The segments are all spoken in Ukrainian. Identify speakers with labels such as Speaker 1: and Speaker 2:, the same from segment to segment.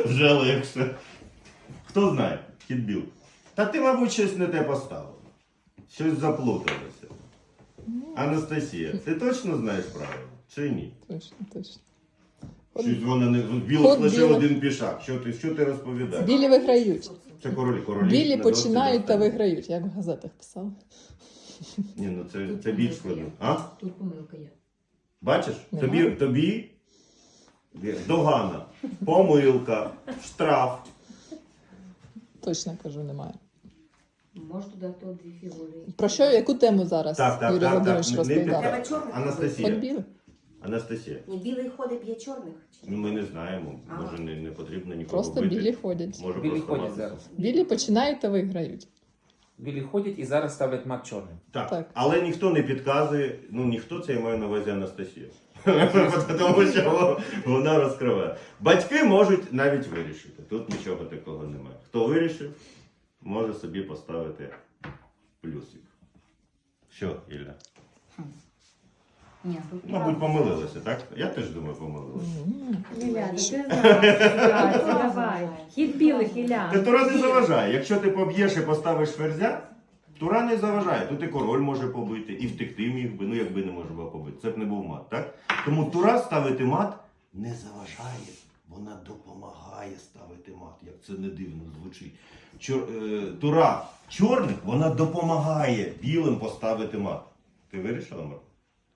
Speaker 1: вже легше. Хто знає, хід біл. Та ти, мабуть, щось не те поставила. Щось заплуталося. Анастасія, ти точно знаєш правила? Чи ні?
Speaker 2: Точно, точно.
Speaker 1: Щось вона не... Білих
Speaker 2: Ход
Speaker 1: лише
Speaker 2: білих.
Speaker 1: один пішак. Що ти розповідаєш?
Speaker 2: Білі виграють.
Speaker 1: Це королі.
Speaker 2: Білі
Speaker 1: не
Speaker 2: починають
Speaker 1: досить
Speaker 2: та
Speaker 1: достатньо.
Speaker 2: виграють, як в газетах писали.
Speaker 1: Ні, ну це більш складно. А?
Speaker 3: Тут помилка є.
Speaker 1: Бачиш?
Speaker 2: Нема.
Speaker 1: Тобі догана, помилка, штраф.
Speaker 2: Точно кажу, немає.
Speaker 3: Можеш додати дві фігури.
Speaker 2: Про що, яку тему зараз Юрій Володимирович
Speaker 1: Не
Speaker 2: розповідав?
Speaker 3: Треба
Speaker 1: підказуй.
Speaker 3: чорних.
Speaker 2: Хоч
Speaker 1: Анастасія.
Speaker 2: білих?
Speaker 1: Анастасія.
Speaker 3: Ні, білий ходить б'є чорних. Чи
Speaker 1: Ну,
Speaker 3: ні?
Speaker 1: ми не знаємо.
Speaker 3: А.
Speaker 1: Може не потрібно нікого
Speaker 2: Просто
Speaker 1: бити.
Speaker 2: білі ходять.
Speaker 1: Може
Speaker 4: Білі
Speaker 1: просто
Speaker 4: ходять
Speaker 1: мати.
Speaker 4: зараз.
Speaker 2: Білі починають та виграють.
Speaker 4: Білі ходять і зараз ставлять мат чорним.
Speaker 1: Так.
Speaker 2: Так.
Speaker 1: Але ніхто не підказує, ну ніхто, це я маю на увазі Анастасія. Тому що вона розкриває. Батьки можуть навіть вирішити. Тут нічого такого немає. Хто вирішив, може собі поставити плюсик. Що, Ілля?
Speaker 3: Ні, тут
Speaker 1: Мабуть, помилилася, так? Я теж думаю, помилилася.
Speaker 5: Ілля, ти знаєш, давай. Хід білих, Ілля.
Speaker 1: Та Тура не заважає. Якщо ти поб'єш і поставиш ферзя, Тура не заважає. Тут і король може побити, і втекти міг би, ну якби не може було побити. Це б не був мат, так? Тому Тура ставити мат не заважає. Вона допомагає ставити мат, як це не дивно звучить. Тура чорних, вона допомагає білим поставити мат. Ти вирішила, Марко?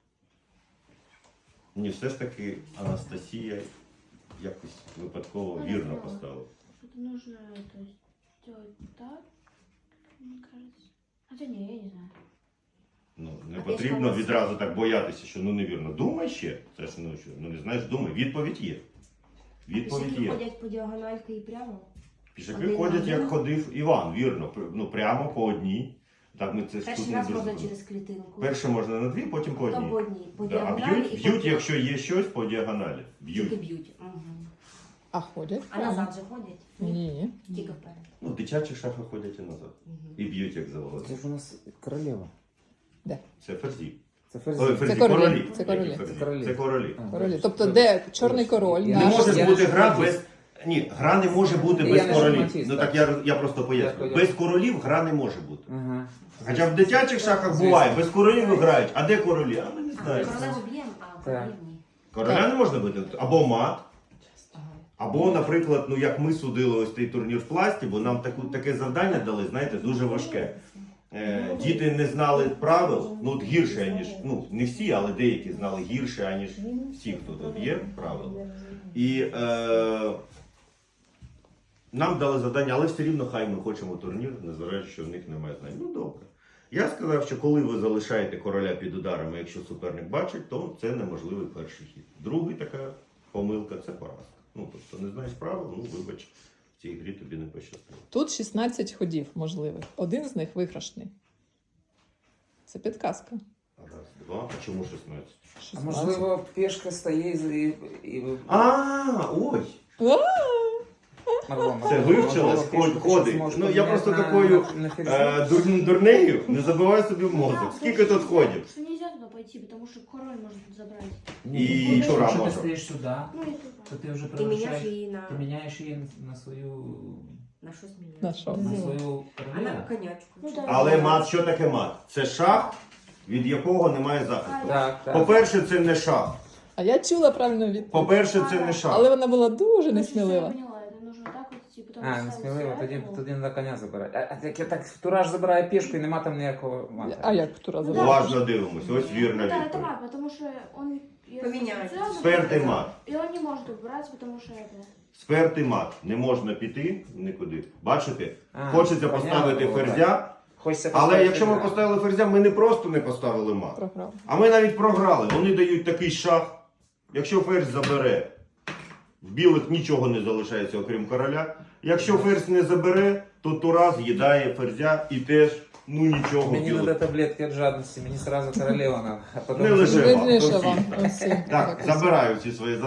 Speaker 1: Ні, все ж таки Анастасія якось випадково вірно поставила.
Speaker 6: Что-то нужно это сделать так, мне кажется. Хотя не, я не знаю.
Speaker 1: Ну, не
Speaker 3: А
Speaker 1: потрібно
Speaker 3: пішка
Speaker 1: відразу так боятися, що ну невірно. Думай ще. Це ж ну не знаєш, думай. Відповідь є. Відповідь
Speaker 3: Пішаки
Speaker 1: є.
Speaker 3: ходять по діагональки і прямо.
Speaker 1: Пішаки
Speaker 3: Один
Speaker 1: ходять,
Speaker 3: на
Speaker 1: як
Speaker 3: один.
Speaker 1: ходив Іван, вірно. Ну прямо по одній. Так ми це ж тут
Speaker 3: Перший
Speaker 1: не
Speaker 3: раз
Speaker 1: дуже
Speaker 3: можна
Speaker 1: зробимо.
Speaker 3: через клітинку.
Speaker 1: Перше можна на дві, потім по
Speaker 3: Потім
Speaker 1: одній.
Speaker 3: по одній. По
Speaker 1: Да, а
Speaker 3: діагоналі і
Speaker 1: б'ють,
Speaker 3: потім-
Speaker 1: якщо є щось по діагоналі.
Speaker 3: Тільки
Speaker 1: Б'ють.
Speaker 3: б'ють. Угу.
Speaker 2: А ходять?
Speaker 3: А назад же ходять?
Speaker 2: Ні.
Speaker 3: Тільки вперед.
Speaker 1: Ну, дитячі шахи ходять і назад. І б'ють, як завгодно.
Speaker 4: Це ж у нас королева.
Speaker 1: Це ферзі.
Speaker 4: Це ферзь.
Speaker 1: Ой, ферзі,
Speaker 2: королі.
Speaker 1: королі.
Speaker 2: Це королі.
Speaker 1: Які ферзі?
Speaker 4: Це королі.
Speaker 1: Це королі.
Speaker 2: Королі. Тобто, де чорний король?
Speaker 4: Я
Speaker 1: Не
Speaker 2: наш?
Speaker 1: може
Speaker 4: Я
Speaker 1: бути
Speaker 4: не
Speaker 1: гра
Speaker 4: шахматист.
Speaker 1: без. Ні, гра не може бути
Speaker 4: Я
Speaker 1: без
Speaker 4: не
Speaker 1: королів.
Speaker 4: шахматист,
Speaker 1: Ну
Speaker 4: так.
Speaker 1: так я просто поясню.
Speaker 4: Я
Speaker 1: Без королів гра не може бути.
Speaker 4: Ага.
Speaker 1: Хоча в дитячих шахах буває, без королів грають. А де королі? А ми не
Speaker 3: А,
Speaker 1: знаємо.
Speaker 3: королеву б'ємо, а королів ні.
Speaker 1: Короля не можна бити. Або мат,
Speaker 3: Ага.
Speaker 1: або, наприклад, ну як ми судили ось цей турнір в пласті, бо нам таке завдання дали, знаєте, дуже важке. Діти не знали правил, ну от гірше, ніж, ну не всі, але деякі знали гірше, аніж всі, хто тут є, правил. І нам дали завдання, але все рівно хай ми хочемо турнір, незважаючи, що в них немає знань. Ну добре. Я сказав, що коли ви залишаєте короля під ударами, якщо суперник бачить, то це неможливий перший хід. Другий така помилка це поразка. Ну тобто не знаєш правил, ну вибач, в цій грі тобі не пощастило.
Speaker 2: Тут 16 ходів можливих. Один з них виграшний. Це підказка.
Speaker 1: Раз, два, а чому 16?
Speaker 4: А
Speaker 2: 16.
Speaker 4: можливо, пішка стоїть і
Speaker 1: Ой!
Speaker 4: Марго,
Speaker 1: Це
Speaker 4: Марго,
Speaker 1: вивчилось,
Speaker 4: можливо, пішку
Speaker 1: ходить.
Speaker 4: ти зможеш
Speaker 1: Ну я
Speaker 4: поміняти
Speaker 1: просто
Speaker 4: на-
Speaker 1: такою
Speaker 4: на ферзя.
Speaker 1: дурнею не забивай собі в мозок. Скільки тут ходів?
Speaker 6: Что нельзя туда пойти, потому что король может забрать.
Speaker 1: І Тура
Speaker 4: Якщо ти
Speaker 1: може.
Speaker 4: стоїш сюди,
Speaker 6: Ну и туда.
Speaker 4: то ти вже
Speaker 3: Ти міняєш
Speaker 4: превращаєш,
Speaker 3: її на...
Speaker 4: ти міняєш її на свою,
Speaker 3: На щось міняєш.
Speaker 2: На що?
Speaker 4: на свою
Speaker 3: А на
Speaker 4: королеву.
Speaker 3: конячку.
Speaker 6: Ну, да.
Speaker 1: Але мат, що таке мат? Це шах, від якого немає захисту.
Speaker 4: Так, так.
Speaker 1: По-перше, це не шах.
Speaker 2: А я чула правильну відповідь.
Speaker 1: По-перше, це не шах.
Speaker 2: Але вона була дуже
Speaker 6: Короче,
Speaker 2: несмілива.
Speaker 6: Я поняла, это нужно так вот идти, потом
Speaker 4: А, не
Speaker 6: ставить
Speaker 4: сміливо,
Speaker 6: сюда,
Speaker 4: тоді на коня забирати. А так Тураж забирає пішку і нема там ніякого мата.
Speaker 2: А як Тура
Speaker 6: Ну,
Speaker 2: забрала?
Speaker 1: Уважно дивимося, ось
Speaker 6: Ну
Speaker 1: вірна
Speaker 6: да, это
Speaker 1: відповідь.
Speaker 6: мат, потому что он...
Speaker 3: Поменяется.
Speaker 1: Спертий мат.
Speaker 6: И он не может убрать, потому что это...
Speaker 1: Спертий мат. Не можна піти нікуди. Бачите?
Speaker 4: А,
Speaker 1: Хочеться
Speaker 4: понятно
Speaker 1: поставити
Speaker 4: було,
Speaker 1: ферзя,
Speaker 4: Хочеться
Speaker 1: але
Speaker 4: поставити
Speaker 1: якщо ми
Speaker 4: ферзя.
Speaker 1: поставили ферзя, ми не просто не поставили мат.
Speaker 2: Програв.
Speaker 1: А ми навіть програли. Вони дають такий шах. Якщо ферзь забере, в білих нічого не залишається, окрім короля. Якщо ферзь не забере, то Тура з'їдає ферзя і теж, ну нічого.
Speaker 4: Мені
Speaker 1: білих.
Speaker 4: треба таблетки від жадності, мені сразу королева надо. А потім
Speaker 1: Не лише вам,
Speaker 2: Видніше
Speaker 1: то всі.
Speaker 2: вам. Усім.
Speaker 1: Так, забираю ці свої